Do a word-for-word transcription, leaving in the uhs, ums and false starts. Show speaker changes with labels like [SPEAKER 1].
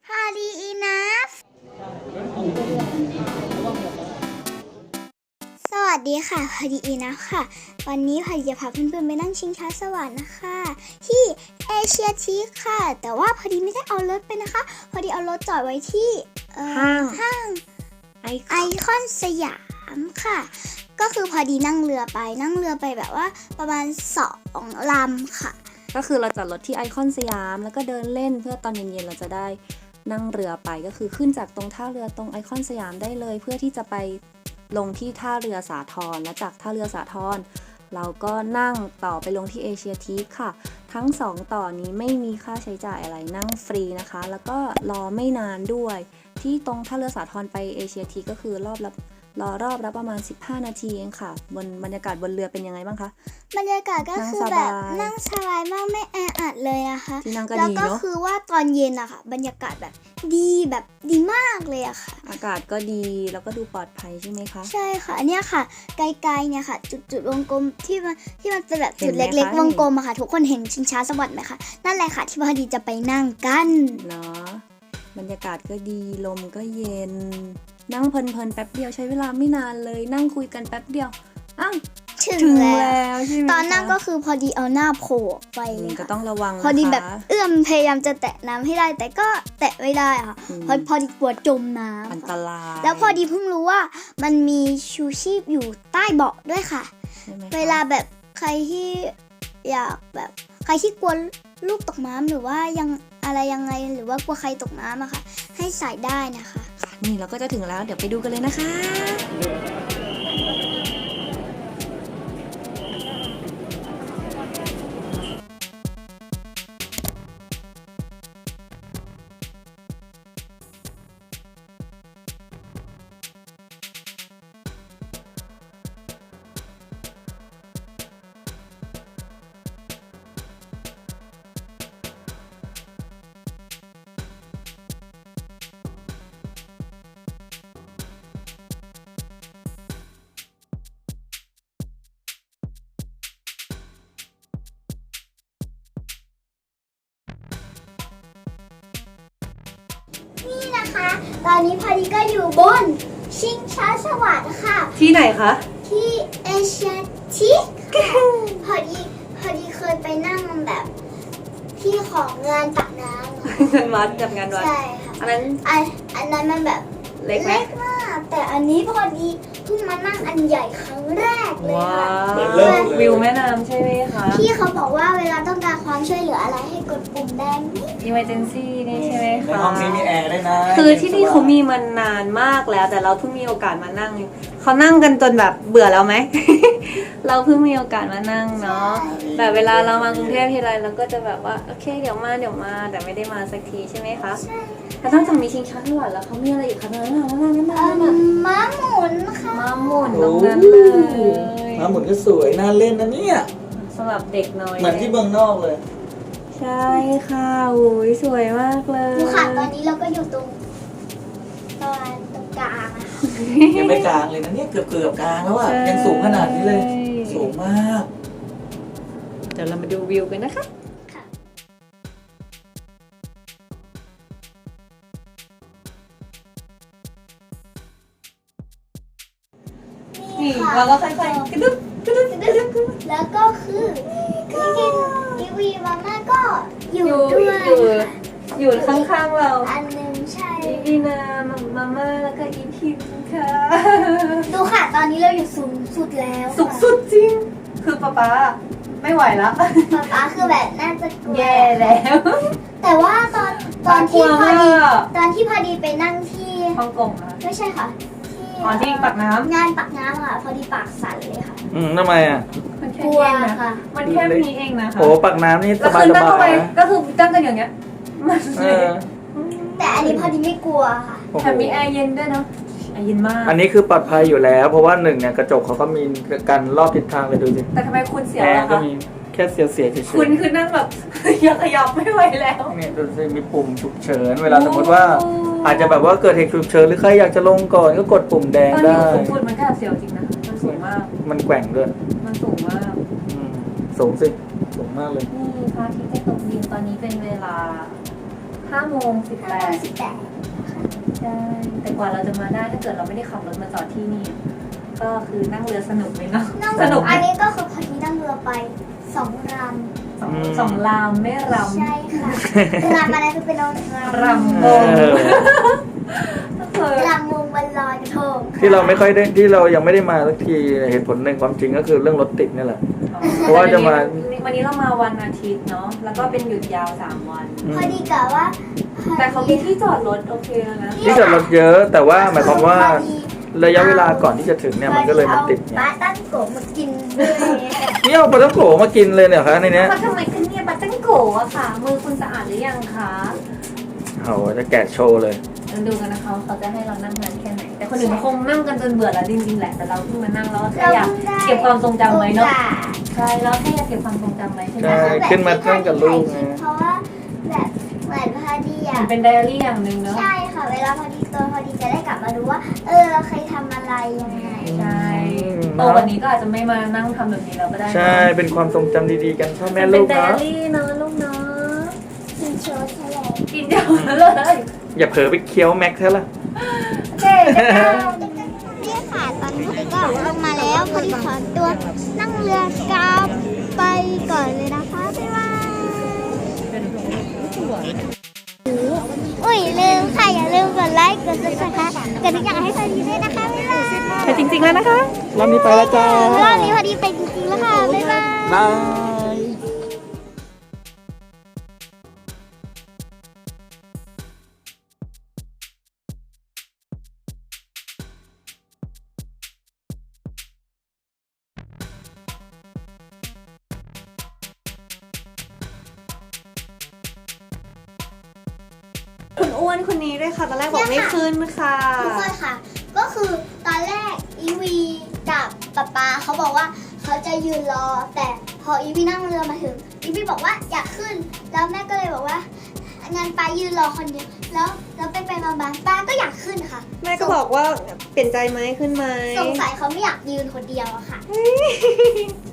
[SPEAKER 1] Party enough สวัสดีค่ะ Party enough ค่ะวันนี้พอดีจะพาเพื่อนๆไปนั่งชิงช้าสวรรค์นะคะที่เอเชียทีคค่ะแต่ว่าพอดีไม่ได้เอารถไปนะคะพอดีเอารถจอดไว้ที่
[SPEAKER 2] ห้าง
[SPEAKER 1] ห้างไอคอนสยามค่ะก็คือพอดีนั่งเรือไปนั่งเรือไปแบบว่าประมาณสองลำค่ะ
[SPEAKER 2] ก็คือเราจอดรถที่ไอคอนสยามแล้วก็เดินเล่นเพื่อตอนเย็นๆเราจะได้นั่งเรือไปก็คือขึ้นจากตรงท่าเรือตรงไอคอนสยามได้เลยเพื่อที่จะไปลงที่ท่าเรือสาทรและจากท่าเรือสาทรเราก็นั่งต่อไปลงที่เอเชียทีคค่ะทั้งสองต่อนี้ไม่มีค่าใช้จ่ายอะไรนั่งฟรีนะคะแล้วก็รอไม่นานด้วยที่ตรงท่าเรือสาทรไปเอเชียทีคก็คือรอบละรอรอบละประมาณสิบห้านาทีเองค่ะบนบรรยากาศบนเรือเป็นยังไงบ้างคะ
[SPEAKER 1] บรรยากาศก็คือแบบนั่งสบายมากไม่แออัดเลยนะคะ
[SPEAKER 2] ที่นั่งก็
[SPEAKER 1] แล้ว
[SPEAKER 2] ดีเนาะ
[SPEAKER 1] ก็คือว่าตอนเย็นอะค่ะบรรยากาศแบบดีแบบดีมากเลยอะค่ะ
[SPEAKER 2] อากาศก็ดีแล้วก็ดูปลอดภัยใช่ไหมคะ
[SPEAKER 1] ใช่ค่ะเนี่ยค่ะไกลๆเนี่ยค่ะจุดจุดวงกลมที่มันที่มันเป็นแบบจุดเล็กๆวงกลมอะค่ะทุกคนเห็นชิงช้าสวรรค์ไหมคะนั่นแหละค่ะที่พอดีจะไปนั่งกัน
[SPEAKER 2] เนาะบรรยากาศก็ดีลมก็เย็นนั่งเพลินๆแป๊บเดียวใช้เวลาไม่นานเลยนั่งคุยกันแป๊บเดียวอ้าว
[SPEAKER 1] ถึงแล้ว
[SPEAKER 2] ใช่ไหม
[SPEAKER 1] ตอนนั่งก็คือพอดีเอาหน้าโผล่ไปเลย
[SPEAKER 2] ก็ต้องระวัง
[SPEAKER 1] พอดีแบบเอื้อมพยายามจะแตะน้ำให้ได้แต่ก็แตะไม่ได้ค่ะพอพอดีกลัวจมน้ำ
[SPEAKER 2] อันตราย
[SPEAKER 1] แล้วพอดีเพิ่งรู้ว่ามันมีชูชีพอยู่ใต้เบาะด้วยค่ะเวลาแบบใครที่อยากแบบใครที่กลัวลูกตกน้ำหรือว่ายังอะไรยังไงหรือว่ากลัวใครตกน้ำอะค่ะให้ใส่ได้นะคะ
[SPEAKER 2] นี่เราก็จะถึงแล้วเดี๋ยวไปดูกันเลยนะคะ
[SPEAKER 1] นี่นะคะตอนนี้พอดีก็อยู่บนชิงช้าสวรรค์ค่ะ
[SPEAKER 2] ที่ไหนคะ
[SPEAKER 1] ที่เอเชียทีคพอดีพอดีเคยไปนั่งแบบที่ของงานตักน้ำ
[SPEAKER 2] งานวัดกับงานวัด
[SPEAKER 1] ใช่ค่ะ
[SPEAKER 2] อันนั้น
[SPEAKER 1] อันอันนั้นมันแบบ
[SPEAKER 2] เล็กไหม
[SPEAKER 1] มากแต่อันนี้พอดีเพิ่งมานั่งอันใหญ่ครั้งแรกเลยค่ะ
[SPEAKER 2] วิวแม่น้ำใช่ไหมคะ
[SPEAKER 1] พี่เขาบอกว่าเวลาต้องการความช่วยเหลืออะไรให้กดปุ่มแดงนี่
[SPEAKER 2] emergency นี่ใช่ไหมคะ
[SPEAKER 3] ในห้องนี้มีแอร์ด้วยนะ
[SPEAKER 2] คือที่นี่เขามีมานานมากแล้วแต่เราเพิ่งมีโอกาสมานั่งเขานั่งกันจนแบบเบื่อแล้วไหม เราเพิ่งมีโอกาสมานั่งเนาะแต่เวลาเรามากรุงเทพทีไรเราก็จะแบบว่าโอเคเดี๋ยวมาเดี๋ยวมาแต่ไม่ได้มาสักทีใช่ไหมคะแล้วนอกจากมีชิงช้าสวรรค์แล้วเขามีอะไรอีกคะนั่นน่ะนั่นน่ะนั่นน่ะ
[SPEAKER 1] ม้าหมุนค่ะ
[SPEAKER 2] ม้าหมุนตรงนั้นเลย
[SPEAKER 3] ม้าหมุนก็สวยน่าเล่นนะเนี่ย
[SPEAKER 2] สำหรับเด็กน้อย
[SPEAKER 3] เหมือนที่เมืองนอกเลย
[SPEAKER 2] ใช่ค่ะโอ้ยสวยมากเลย
[SPEAKER 1] ดูค่ะตอนนี้เราก็อยู่ตรงตอนตรงกลางอะ
[SPEAKER 3] ยังไม่กลางเลยนะเนี่ยเกือบเกือบกลางแล้วอ่ะยังสูงขนาดนี้เลยสูงมาก
[SPEAKER 2] เดี๋ยวเรามาดูวิวกันนะคะนี่เราก็ค่อยๆกระดุกกระดุกกระดุก
[SPEAKER 1] แล้วก็คือพี่กินทีวีมาม่าก็อยู่ด้วย
[SPEAKER 2] อยู่ข้างๆเรา
[SPEAKER 1] อันนึงใช่
[SPEAKER 2] อีนามาม่าแล้วก็อีพิมค่ะ
[SPEAKER 1] ดูค่ะตอนนี้เราอยู่สูงสุดแล้ว
[SPEAKER 2] สูงสุดจริงคือป๊าป๊าไม่ไหวแล้ว
[SPEAKER 1] ป๊าป๊าคือแบบน่าจะกลัว
[SPEAKER 2] แย่แล้ว
[SPEAKER 1] แต่ว่าตอนตอนที่พอดีตอนที่พอดีไปนั่งที่
[SPEAKER 2] ฮ่องกงอะ
[SPEAKER 1] ไม่ใช่ค่ะ
[SPEAKER 2] อ๋อที่ปักน้ำ
[SPEAKER 1] งานปักน้ำค่ะพอดีปากสั่นเลยค่ะ
[SPEAKER 3] อืมทำไมอ่ะ
[SPEAKER 2] มันแค่นี้นะคะมันแค่นี้เองนะคะ
[SPEAKER 3] โอ้ปักน้ำนี่สบายสบาย
[SPEAKER 2] ก็คือตั้งกันอย่างเงี้ยมัน
[SPEAKER 1] แต่อันนี้พอดีไม่กลัวค่ะ
[SPEAKER 2] แถมมีแอร์เย็นด้วยเนาะแอร์เย็นมาก
[SPEAKER 3] อันนี้คือปลอดภัยอยู่แล้วเพราะว่าหนึ่งเนี่ยกระจกเขาก็มีกันรอบทิศทางเลยดูสิ
[SPEAKER 2] แต่ทำไมคุณเสีย
[SPEAKER 3] แอ
[SPEAKER 2] ร์
[SPEAKER 3] ก็มีแค่เสียเสียเฉย
[SPEAKER 2] ๆคุณคือนั่งแบบยังขยับไม่ไหวแล้ว
[SPEAKER 3] เนี่ยดูสิมีปุ่มฉุกเฉินเวลาสมมติว่าอาจจะแบบว่าเกิดเหตุฉุกเฉินหรือใครอยากจะลงก่อนก็กดปุ่มแดงได้
[SPEAKER 2] ตอนนี้สูงสุดมันก็เสียวจริงนะมันสูงมาก
[SPEAKER 3] มันแกว่งด้วย
[SPEAKER 2] มันสูงมาก
[SPEAKER 3] สูงสิสูงมากเลย
[SPEAKER 2] นี่พระอาทิตย์จะตกดินตอนนี้เป็นเวลาห้าโมงสิบแป
[SPEAKER 1] ห้าโม
[SPEAKER 2] ด
[SPEAKER 1] งสิบแปด
[SPEAKER 2] ใช่แต่กว่าเราจะมาได้ถ้าเกิดเราไม่ได้ขับรถมาจอดที่นี่ ก็คือนั่งเรือสนุกไหมเนาะ
[SPEAKER 1] นั่ง
[SPEAKER 2] สนุก
[SPEAKER 1] อันนี้ก็คือพอดีนั่งเรือไปสองล
[SPEAKER 2] สองสองลามไม่ร
[SPEAKER 1] ำใช่ค่ะลำอะไรคือเป็นลำ
[SPEAKER 2] ำรำวง
[SPEAKER 3] เออ
[SPEAKER 2] ก็คือ
[SPEAKER 1] ลำวงบนลอยกระทง
[SPEAKER 3] ที่เราไม่ค่อยได้ที่เรายังไม่ได้มาสักทีเหตุผลหนึ่งความจริงก็คือเรื่องรถติดนี่แหละ เพราะว่าจะมา
[SPEAKER 2] วันนี้เรามาวันอาทิตย์เนาะแล้วก็เป็นหยุดยาวสามวัน
[SPEAKER 3] อืม
[SPEAKER 1] พอดีกับว่า
[SPEAKER 2] แต่เขามีที่จอดรถโอเคแล้วนะ
[SPEAKER 3] ที่จอดรถเยอะ แต่ว่าหมายความว่าระยะเวลาก่อนที่จะถึงเนี่ยมันก็เลยมันติด
[SPEAKER 1] ป
[SPEAKER 3] ไง
[SPEAKER 1] ลาตั้งโกะมากินด้วย
[SPEAKER 3] นี่เอาปลาท่องโกะมากินเลยเนี่ยคะในเนี้ย
[SPEAKER 2] เขาทำไมขึ้นเนี่ยบัตตังโกะอะค่ะ มือคุณสะอาดหรือยังคะ
[SPEAKER 3] เขาจะแกะโชว์เลย
[SPEAKER 2] เราดูกันนะคะว่าเขาจะให้เรานั่งนานแค่ไหน แต่คนอื่นคงนั่งกันจนเบื่อแล้วจริงๆแหละ แต่เราเพิ่งมานั่งแล้วก็แค่อยากเก็บความทรงจำไว้เนาะ ใช่แล้วแค่อยากเก็บความทรงจำไว้ใช่ไหม
[SPEAKER 3] ใช่ขึ้นมานั่งกับลูกไง
[SPEAKER 1] เพราะว่าแบบเหมือนพอดี
[SPEAKER 2] มั
[SPEAKER 1] อ่ะ
[SPEAKER 2] นเป็นไดอารี่อย่างหนึ่งเนาะ
[SPEAKER 1] ใช่ค่ะ เวลาพอดีตัวพอดีจะได้กลับมาดูว่า เออเราเคยทำอะไรยังไง
[SPEAKER 2] ใช่โตวันนี้ก็อาจจะไม่มานั่งทำแบบนี้แล้วก็ได้นะ
[SPEAKER 3] ใช่เป็นความทรงจำดีๆกันพ่อแม่
[SPEAKER 2] เป็
[SPEAKER 3] ลู
[SPEAKER 2] น
[SPEAKER 3] ก
[SPEAKER 2] ไดอา
[SPEAKER 3] เนาะ
[SPEAKER 2] รี่เนาะลูกเนาะ
[SPEAKER 1] กินโชว์ใช่เลย
[SPEAKER 2] กินเดียวเลย
[SPEAKER 3] อย่าเผลอไปเคี้ยวแม็กเท่าละ
[SPEAKER 2] โอเคเดี๋ยวเรา
[SPEAKER 1] เนี่ยค่ะตอนนี้พอดีก็ลงมาแล้วพอดีขอตัวนั่งเรือกลับไปก่อนเลยนะคะบ๊ายบายอุ้ยลืมค่ะอย่าลืมกดไลค์กดซับสไครต์กดทุกอย่างให้พอดีด้วยนะคะบ๊ายบาย
[SPEAKER 2] ไปจริงๆแล้วนะคะ
[SPEAKER 3] รอบนี้ไปแล้วจ้าร
[SPEAKER 1] อบนี้พอดีไปจริงๆแล้วค่ะบ๊ายบาย
[SPEAKER 3] บาย
[SPEAKER 2] คุณอ้วนคนนี้ด้วยค่ะตอนแรกบอกไม่ขึ้นค่ะ
[SPEAKER 1] ทุกคนค่ะ ก็คือตอนแรกอีวีกับป๊าป๊าเขาบอกว่าเขาจะยืนรอ แต่พออีวีนั่งเรือมาถึงอีวีบอกว่าอยากขึ้น แล้วแม่ก็เลยบอกว่างั้นป้ายืนรอคนเดียวแล้วแล้วไปไปมามาป้าก็อยากขึ้นค่ะ
[SPEAKER 4] แม่ก็บอกว่าเปลี่ยนใจไหมขึ้นไหม
[SPEAKER 1] สงสัยเขาไม่อยากยืนคนเดียวอะค่ะ